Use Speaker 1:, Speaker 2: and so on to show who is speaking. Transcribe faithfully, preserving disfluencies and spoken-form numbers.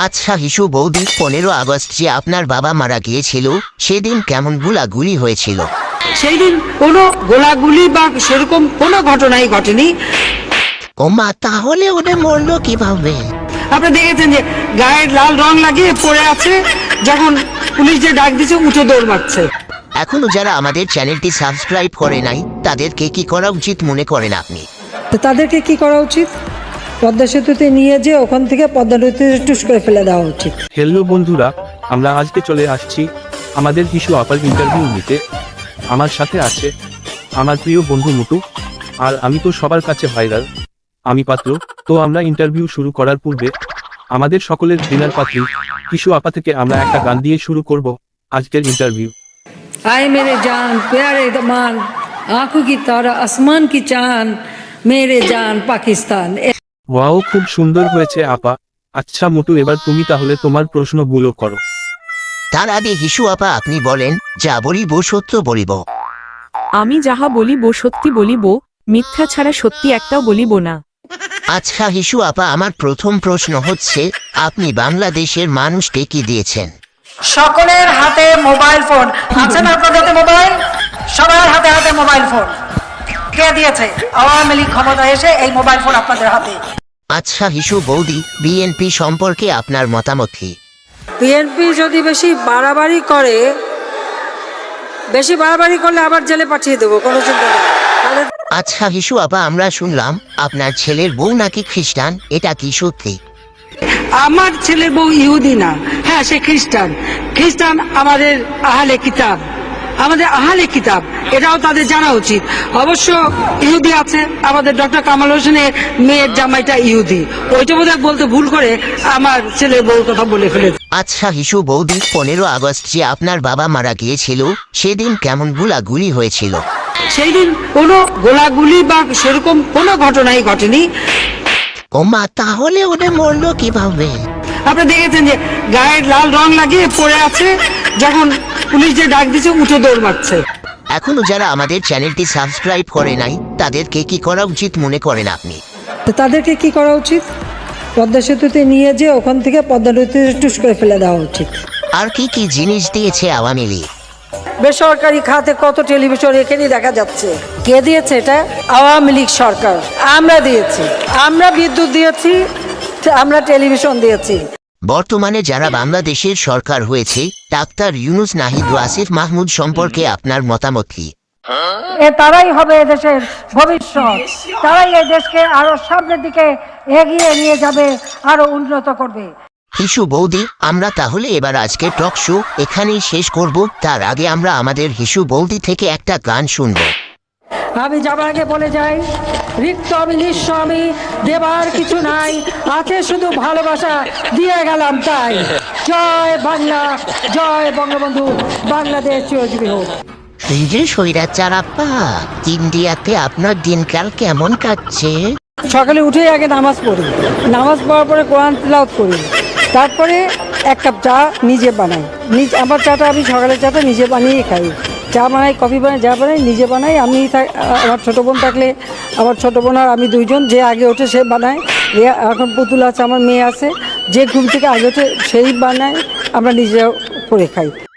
Speaker 1: আচ্ছা হিসু বৌদি, পনেরো আগস্ট যে আপনার বাবা মারা গিয়েছিল সেদিন কেমন গুলাগুলি হয়েছিল?
Speaker 2: সেই দিন কোনো গোলাগুলি বা সেরকম কোনো ঘটনাই ঘটেনি।
Speaker 1: ওমা, তাহলে ওদের মরলো কিভাবে?
Speaker 2: আপনি দেখেছেন যে গায়ের লাল রং লাগিয়ে পড়ে আছে, যখন পুলিশ যে ডাক দিচ্ছে উঠে দৌড় মারছে।
Speaker 1: এখনো যারা আমাদের চ্যানেলটি সাবস্ক্রাইব করে নাই তাদেরকে কি করা উচিত মনে করেন আপনি?
Speaker 3: তো তাদেরকে কি করা উচিত? পদ্মা সেতুতে নিয়ে যে ওখান থেকে পদ্মা নদীতে টুস করে ফেলে দেওয়া উচিত।
Speaker 4: হ্যালো বন্ধুরা, আমরা আজকে চলে আসছি আমাদের হিসু আপার ইন্টারভিউ নিতে। আমার সাথে আছে আমার প্রিয় বন্ধু মুটু, আর আমি তো সবার কাছে ভাইরাল, আমি পাত্র। তো আমরা ইন্টারভিউ শুরু করার পূর্বে আমাদের সকলের ডিনার পাত্রী হিসু আপা থেকে আমরা একটা গান দিয়ে শুরু করব আজকের ইন্টারভিউ।
Speaker 3: आए मेरे जान प्यारे दमान आंखों की तारा आसमान की चांद मेरे जान पाकिस्तान।
Speaker 4: ওয়াও, খুব সুন্দর হয়েছে আপা। আচ্ছা মুটু, এবার তুমি তাহলে তোমার প্রশ্নগুলো করো।
Speaker 1: তার আগে হিসু আপা আপনি বলেন, যা বলিব সত্য বলিব।
Speaker 5: আমি যাহা বলিব সত্যি বলিব, মিথ্যা ছাড়া সত্যি একটাও বলিব না।
Speaker 1: আচ্ছা হিসু আপা, আমার প্রথম প্রশ্ন হচ্ছে, আপনি বাংলাদেশের মানুষকে কি দিয়েছেন?
Speaker 2: সকলের হাতে মোবাইল ফোন আছে না? আপনার হাতে মোবাইল, সবার হাতে হাতে মোবাইল ফোন। কে দিয়েছে? আওয়ামী লীগ ক্ষমতা এসে এই মোবাইল ফোন আপনাদের হাতে।
Speaker 1: আচ্ছা হিসু বৌদি, বিএনপি সম্পর্কে আপনার মতামত কি?
Speaker 3: বিএনপি যদি বেশি বাড়াবাড়ি করে, বেশি বাড়াবাড়ি করলে আবার জেলে পাঠিয়ে দেবো, কোনো চিন্তা নেই। তাহলে
Speaker 1: আচ্ছা হিসু আপা, আমরা শুনলাম আপনার ছেলের বউ নাকি খ্রিস্টান, এটা কি সত্যি?
Speaker 2: আমার ছেলের বউ ইহুদি না, হ্যাঁ সে খ্রিস্টান। খ্রিস্টান আমাদের আহলে কিতাব, আমাদের আহলে কিতাব, এটাও তাদের জানা উচিত। অবশ্য ইহুদি আছে, আমাদের ডক্টর কামাল হোসেনের মেয়ের জামাইটা ইহুদি, ওইটা বোধহয় বলতে ভুল করে আমার ছেলের বউর কথা বলে ফেলেছে।
Speaker 1: আচ্ছা হিসু বৌদি, পনেরো আগস্ট যে আপনার বাবা মারা গিয়েছিল সেদিন কেমন গুলাগুলি হয়েছিল?
Speaker 2: সেই দিন কোনো গোলাগুলি বা সেরকম কোনো ঘটনাই ঘটেনি।
Speaker 1: ওমা, তাহলে ওদের মরলো কিভাবে?
Speaker 2: আপনি দেখেছেন যে গায়ের লাল রং লাগিয়ে পড়ে আছে, যখন পুলিশ যে ডাক দিচ্ছে উঠে দৌড় মারছে।
Speaker 1: এখনো যারা আমাদের চ্যানেলটি সাবস্ক্রাইব করে নাই তাদেরকে কি করা উচিত মনে করেন আপনি?
Speaker 3: তো তাদেরকে কি করা উচিত? পদ্মা সেতুতে নিয়ে যে ওখান থেকে পদ্মা নদীতে টুস করে ফেলে দেওয়া উচিত।
Speaker 1: আর কি কি জিনিস দিয়েছে আওয়ামী লীগ?
Speaker 3: বেসরকারি খাতে কত টেলিভিশন এখানেই দেখা যাচ্ছে। কে দিয়েছে এটা? আওয়ামী লীগ সরকার। আমরা দিয়েছি, আমরা বিদ্যুৎ দিয়েছি, আমরা টেলিভিশন দিয়েছি।
Speaker 1: বর্তমানে যারা বাংলাদেশের সরকার হয়েছে, ডাক্তার ইউনুস নাহিদ আসিফ মাহমুদ সম্পর্কে আপনার মতামত কি?
Speaker 6: এ তারাই হবে এদেশের ভবিষ্যৎ, তারাই এই দেশকে আরো সামনের দিকে এগিয়ে নিয়ে যাবে, আরো উন্নত করবে।
Speaker 1: হিসু বৌদি, আমরা তাহলে এবার আজকে টক শো এখানেই শেষ করব। তার আগে আমরা আমাদের হিসু বৌদি থেকে একটা গান শুনবো।
Speaker 6: আমি যাবার আগে বলে যাই, রিক্ত আমি নিঃস্ব আমি, দেবার কিছু নাই, আছে শুধু ভালোবাসা, দিয়ে গেলাম তাই। জয় বাংলা, জয় বঙ্গবন্ধু, বাংলাদেশ চিরজীবী হোক।
Speaker 1: এই যে স্বৈরাচার আপা, ইন্ডিয়াতে আপনার দিনকাল কেমন কাটছে?
Speaker 3: সকালে উঠেই আগে নামাজ পড়ি, নামাজ পড়ার পরে কোরআন তিলাওয়াত করি, তারপরে এক কাপ চা নিজে বানাই। নিজ আমার চাটা আমি সকালের চাটা নিজে বানিয়ে খাই। চা বানাই, কফি বানাই, যা বানাই নিজে বানাই। আমি আমার ছোটো বোন থাকলে আমার ছোটো বোন আর আমি দুইজন, যে আগে ওঠে সে বানায়। এখন পুতুল আছে, আমার মেয়ে আছে, যে ঘুম থেকে আগে ওঠে সেই বানায়, আমরা নিজে করে খাই।